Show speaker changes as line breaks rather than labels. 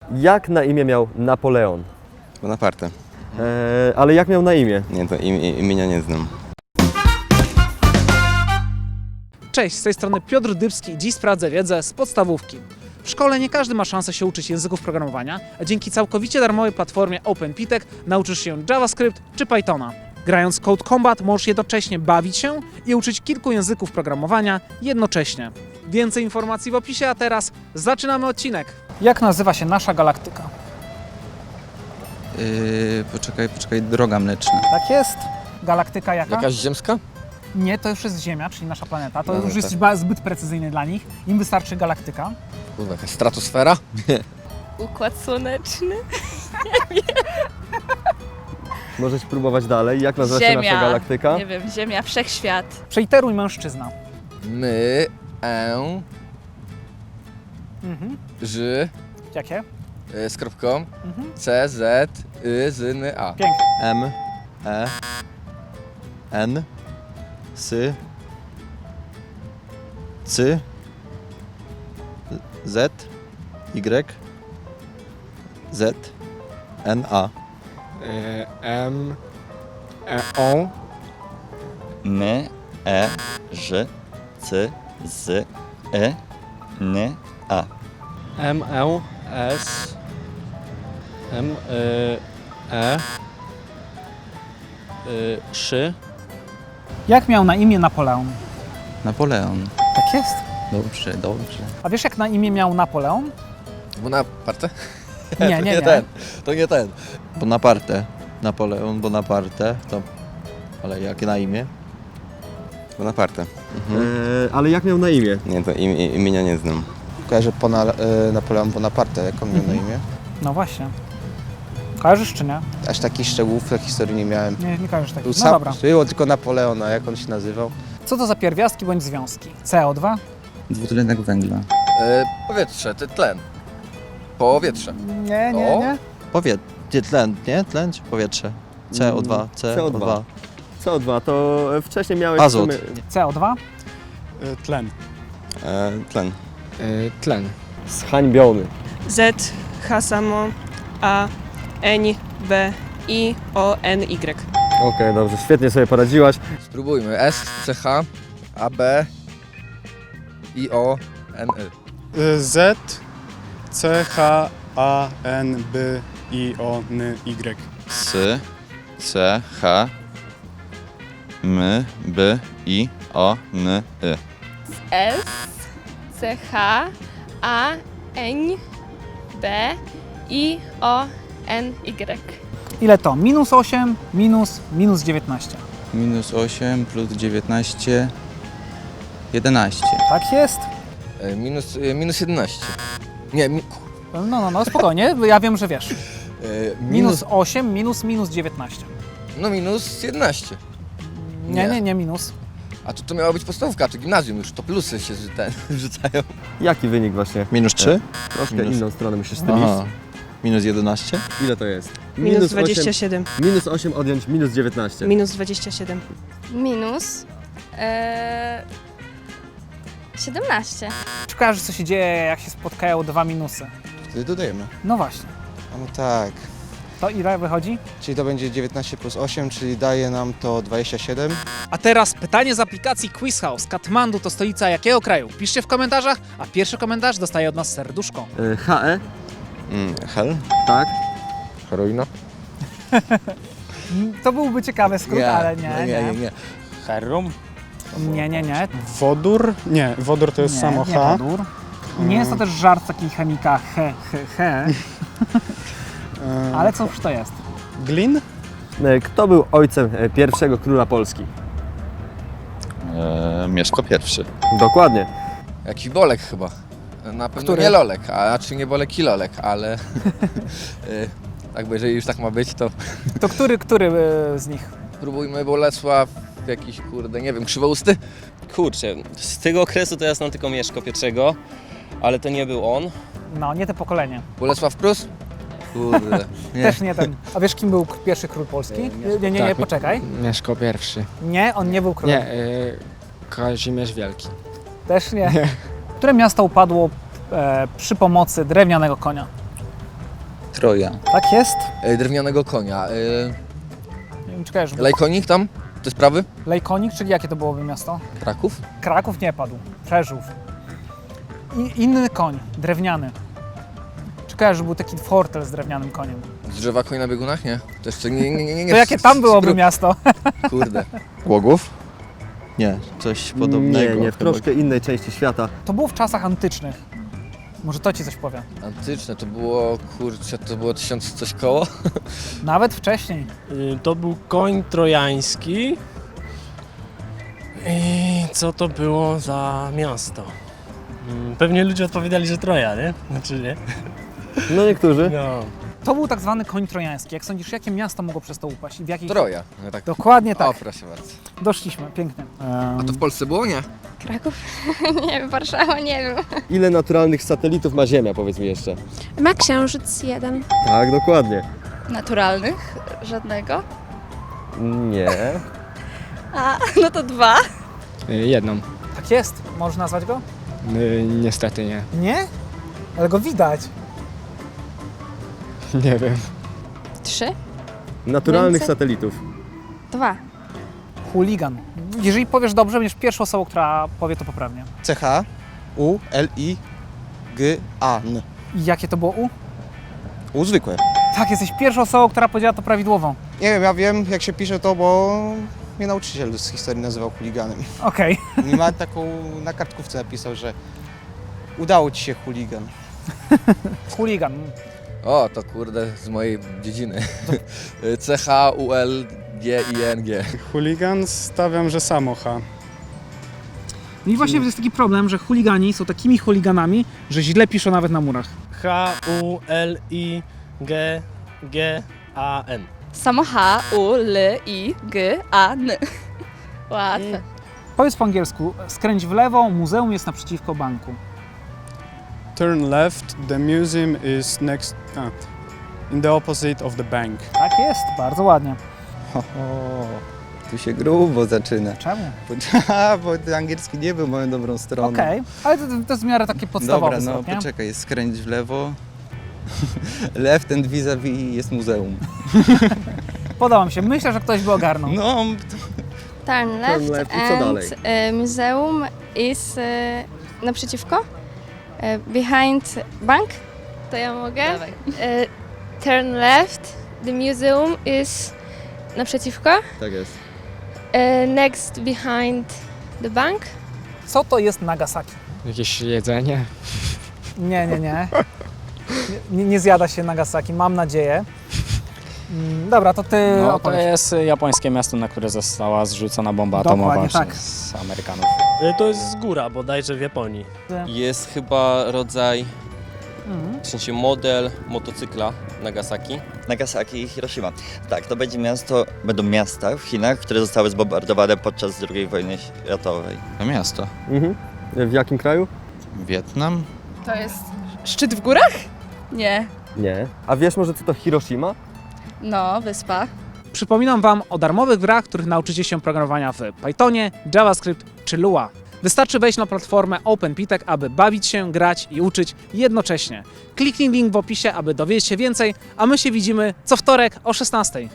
Jak na imię miał Napoleon?
Bonaparte.
Ale jak miał na imię?
Nie, to imienia nie znam.
Cześć, z tej strony Piotr Dybski i dziś sprawdzę wiedzę z podstawówki. W szkole nie każdy ma szansę się uczyć języków programowania, a dzięki całkowicie darmowej platformie OpenPitek nauczysz się JavaScript czy Pythona. Grając Code Combat możesz jednocześnie bawić się i uczyć kilku języków programowania jednocześnie. Więcej informacji w opisie, a teraz zaczynamy odcinek. Jak nazywa się nasza galaktyka?
Poczekaj, droga mleczna.
Tak jest. Galaktyka jaka?
Jakaś ziemska?
Nie, to już jest Ziemia, czyli nasza planeta. To
No,
już jest zbyt precyzyjny dla nich. Im wystarczy galaktyka.
Kurwa, jakaś stratosfera?
Układ słoneczny.
Możesz próbować dalej. Jak nazywa się nasza galaktyka?
Nie wiem, Ziemia, wszechświat.
Przeiteruj mężczyzna.
My, ży,
Jakie?
z kropką, C, Z, Z, N, A.
Pięknie.
M, E, N, S, C, Z, Y, Z, N, A.
M, O,
N, E, Ż, C, Z, N, A.
M, L, S, M, Szy.
Jak miał na imię Napoleon?
Napoleon.
Tak jest.
Dobrze, dobrze.
A wiesz jak na imię miał Napoleon?
Bonaparte?
Nie, nie, nie.
To nie ten.
Bonaparte. Napoleon Bonaparte. To... Ale jakie na imię?
Bonaparte.
Ale jak miał na imię?
Nie, to imienia nie znam.
Kojarzę Napoleon Bonaparte, jak on miał na imię.
No właśnie. Kojarzysz czy nie?
Aż takich szczegółów w historii nie miałem.
Nie kojarzysz takich.
Był
No
sam,
dobra.
było tylko Napoleona, jak on się nazywał.
Co to za pierwiastki bądź związki? CO2?
Dwutlenek węgla.
Powietrze, tlen. Powietrze.
Nie,
Gdzie tlen, nie? Tlen czy powietrze? CO2, CO2.
CO2, to wcześniej miałeś...
Azot.
CO2?
Tlen.
Tlen.
Tlen.
Zhańbiony.
Z, H samo, A, N, B, I, O, N, Y.
Okej, dobrze, świetnie sobie poradziłaś.
Spróbujmy. S, C, H, A, B, I, O, N, Y.
Z, C, H, A, N, B, I, O, N, Y.
S, C, H, M, B, I, O, N, Y.
S, C, H, A, N, B, I, O, N, Y.
Ile to? Minus 8, minus 19.
Minus 8 plus 19, 11.
Tak jest.
Minus 11. Nie,
No, spokojnie, bo ja wiem, że wiesz. Minus
minus,
8, minus 19.
no minus 11.
Nie minus.
A to miała być podstawówka, czy gimnazjum już, to plusy się rzucają.
Jaki wynik właśnie?
Minus 3?
Troszkę
Minus.
inną stronę musisz stylić.
Aha. Minus 11?
Ile to jest?
Minus
8,
27.
minus 8 odjąć minus 19.
Minus 27.
Minus 17.
Czy kojarzysz, co się dzieje, jak się spotkają dwa minusy?
Wtedy dodajemy.
No właśnie.
A no tak.
To ile wychodzi?
Czyli to będzie 19 plus 8, czyli daje nam to 27.
A teraz pytanie z aplikacji Quiz House. Katmandu to stolica jakiego kraju? Piszcie w komentarzach, a pierwszy komentarz dostaje od nas serduszko.
HE?
Hel?
Tak.
Heroina?
To byłby ciekawy skrót, ale nie.
Herum.
Nie.
Wodór? Nie, wodór to jest samo
nie
H.
wodór. Nie jest to też żart taki chemika he. Ale cóż to jest?
Glin?
Kto był ojcem pierwszego króla Polski?
Mieszko pierwszy.
Dokładnie.
Jakiś Bolek chyba. Na pewno
Który?
nie Lolek, a czy nie Bolek i Lolek, ale tak, bo jeżeli już tak ma być, to
To który z nich?
spróbujmy Bolesław, jakiś kurde, nie wiem, Krzywousty?
Kurczę, z tego okresu to ja znam tylko Mieszko I, ale to nie był on.
No, nie te pokolenie.
Bolesław Prus? Kurde.
Też nie ten. A wiesz, kim był pierwszy król Polski? Nie, poczekaj.
Mieszko pierwszy.
Nie, on nie był królem.
Kazimierz Wielki.
Też nie. Które miasto upadło przy pomocy drewnianego konia?
Troja.
Tak jest.
Drewnianego konia.
Nie wiem, czy kojarzysz.
Lejkonik tam? Te sprawy?
Lejkonik, czyli jakie to byłoby miasto?
Kraków?
Kraków nie padł. Przeżów. I inny koń, drewniany. Czy kojarzysz, że był taki fortel z drewnianym koniem?
Z drzewa koń na biegunach? Nie. To jeszcze nie.
To jakie tam byłoby miasto?
Kurde.
Łogów? Nie, coś podobnego.
Nie, w troszkę innej części świata.
To było w czasach antycznych. Może to ci coś powie.
Antyczne to było, kurczę, to było 1000 coś koło?
Nawet wcześniej.
To był koń trojański. I co to było za miasto? Pewnie ludzie odpowiadali, że Troja, nie? Znaczy nie?
No niektórzy.
No.
To był tak zwany koń trojański. Jak sądzisz, jakie miasto mogło przez to upaść? I w jakiej...
Troja. No tak.
Dokładnie tak.
O, proszę bardzo.
Doszliśmy, pięknie.
A to w Polsce było, nie?
Kraków? Nie wiem, Warszawa, nie wiem.
Ile naturalnych satelitów ma Ziemia, powiedz mi jeszcze?
Ma księżyc 1.
Tak, dokładnie.
Naturalnych? Żadnego?
Nie.
A, no to 2.
Jedną.
Tak jest. Możesz nazwać go?
Niestety nie.
Nie? Ale go widać.
Nie wiem.
3?
Naturalnych
Więcej?
satelitów.
2.
Chuligan. Jeżeli powiesz dobrze, będziesz pierwszą osobą, która powie to poprawnie.
C-H-U-L-I-G-A-N.
I jakie to było U?
U zwykłe.
Tak, jesteś pierwszą osobą, która powiedziała to prawidłowo.
Nie wiem, ja wiem jak się pisze to, bo mnie nauczyciel z historii nazywał chuliganem.
Okej.
I ma taką, na kartkówce napisał, że udało ci się chuligan.
Chuligan.
O, to kurde, z mojej dziedziny. C-H-U-L-G-I-N-G.
Chuligan stawiam, że samo H.
No i właśnie jest taki problem, że chuligani są takimi chuliganami, że źle piszą nawet na murach.
H-U-L-I-G-G-A-N.
Samo H, U, L, I, G, A, N. Łatwe.
Powiedz po angielsku, skręć w lewo, muzeum jest naprzeciwko banku.
Turn left, the museum is next... in the opposite of the bank.
Tak jest, bardzo ładnie.
Tu się grubo zaczyna.
Czemu?
Bo angielski nie był moją dobrą stroną.
Okej, ale to jest w miarę takie podstawowe.
Dobra, no
zwrot, nie?
poczekaj, skręć w lewo. Left and vis-a-vis jest muzeum.
Podoba mi się, myślę, że ktoś by ogarnął.
No,
Turn left,
left i co dalej?
museum is naprzeciwko. Behind bank. To ja mogę? Turn left, the museum is naprzeciwko.
Tak jest.
Next behind the bank.
Co to jest Nagasaki?
Jakieś jedzenie?
Nie. Nie zjada się Nagasaki, mam nadzieję. Dobra, to ty
No, to
opowiedz.
jest japońskie miasto, na które została zrzucona bomba
Dokładnie
atomowa
tak.
przez Amerykanów.
To jest góra bodajże w Japonii.
Jest chyba rodzaj,
Mhm.
w sensie model motocykla Nagasaki.
Nagasaki i Hiroshima. Tak, to będą miasta w Chinach, które zostały zbombardowane podczas II wojny światowej.
to miasto.
Mhm. W jakim kraju?
Wietnam?
To jest szczyt w górach? Nie.
Nie. A wiesz może co to Hiroshima?
No, wyspa.
Przypominam Wam o darmowych grach, których nauczycie się programowania w Pythonie, JavaScript czy Lua. Wystarczy wejść na platformę OpenPitek, aby bawić się, grać i uczyć jednocześnie. Kliknij link w opisie, aby dowiedzieć się więcej, a my się widzimy co wtorek o 16:00.